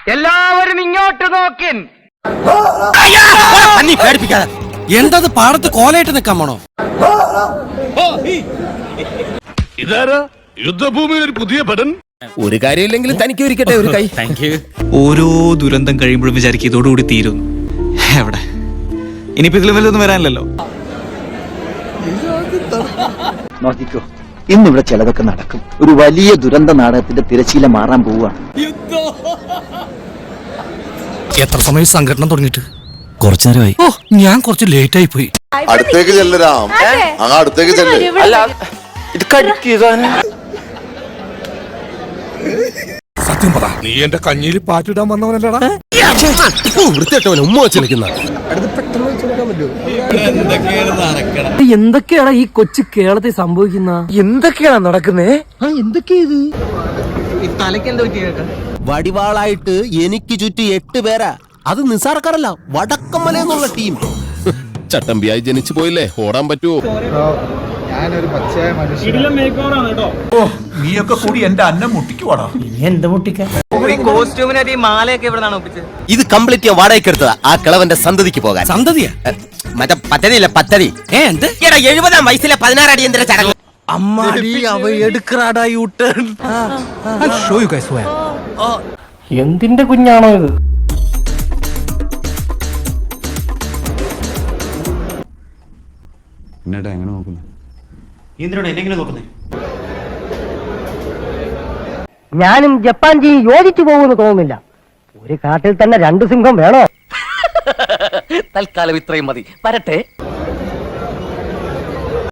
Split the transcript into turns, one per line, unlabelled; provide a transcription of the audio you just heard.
എല്ലാവരും ഇങ്ങോട്ട് നോക്കിൻ.
എന്തത് പാടത്ത് കോലയിട്ട് നിൽക്കാൻ പോണോ?
ഇതാരാ യുദ്ധഭൂമിയിൽ ഒരു പുതിയ പടൻ?
ഒരു കാര്യമില്ലെങ്കിലും തനിക്ക് ഒരിക്കട്ടെ ഒരു കൈ.
Thank you. ഓരോ ദുരന്തം കഴിയുമ്പോഴും വിചാരിക്കും ഇതോടുകൂടി തീരുന്നു. എവിടെ ഇനിയിപ്പോ ഇതിലും വലുതൊന്നും വരാനില്ലല്ലോ.
നോക്കിക്കോ, ഇന്നിവിടെ ചിലതൊക്കെ നടക്കും. ഒരു വലിയ ദുരന്ത നാടകത്തിന്റെ തിരശീല മാറാൻ പോവുകയാണ്.
എത്ര സമയം സംഘടന തുടങ്ങിയിട്ട്?
കുറച്ചു നേരമായി.
ഓ, ഞാൻ കുറച്ച് ലേറ്റ് ആയി പോയി.
അടുത്തേക്ക് ചെല്ലരാം, അടുത്തേക്ക് ചെല്ല്.
ഇത് കടിക്കുകയാണ്.
സത്യം പറ, നീ എന്റെ കഞ്ഞിയിൽ പാറ്റിടാൻ വന്നവനല്ലടാ.
വൃത്തിയായിട്ടവൻ ഉമ്മ വെച്ച് നിൽക്കുന്ന.
എന്തൊക്കെയാണ് ഈ കൊച്ചു കേരളത്തിൽ സംഭവിക്കുന്ന?
എന്തൊക്കെയാണ് നടക്കുന്നേ?
വടിവാളായിട്ട് എനിക്ക് ചുറ്റി 8 പേരാ. അത് നിസാർക്കാരല്ല, വടക്കമ്മല എന്നുള്ള ടീം. ചട്ടമ്പിയായി ജനിച്ചു പോയില്ലേ, ഓടാൻ പറ്റുമോ?
നീയൊക്കെ കൂടി എന്റെ അന്നം മുട്ടിക്കുവാടാ.
കോസ്റ്റ്യൂമിനായിട്ട് ഈ മാലയൊക്കെ എവിടെന്നാണ് ഒപ്പിച്ചത്?
ഇത് കംപ്ലീറ്റ് ഞാൻ വാടകയ്ക്ക് എടുത്തതാ, ആ കിളവന്റെ സന്തതിക്ക് പോകാൻ. സന്തതിയാ? മറ്റേ പദ്ധതിയില്ല, പദ്ധതി. എന്ത്? 70-ാം വയസ്സിലെ 16 അടിയന്തര ചടങ്ങ്.
അമ്മാടി അവ എടുക്കറാടാ യൂട്ടേൺ.
എന്തിന്റെ കുഞ്ഞാണോ ഇത്? ഞാനും ജപ്പാൻ ജി യോജിച്ചു പോകുമെന്ന് തോന്നുന്നില്ല. ഒരു കാട്ടിൽ തന്നെ 2 സിംഹം വേണോ?
തൽക്കാലം ഇത്രയും മതി. വരട്ടെ.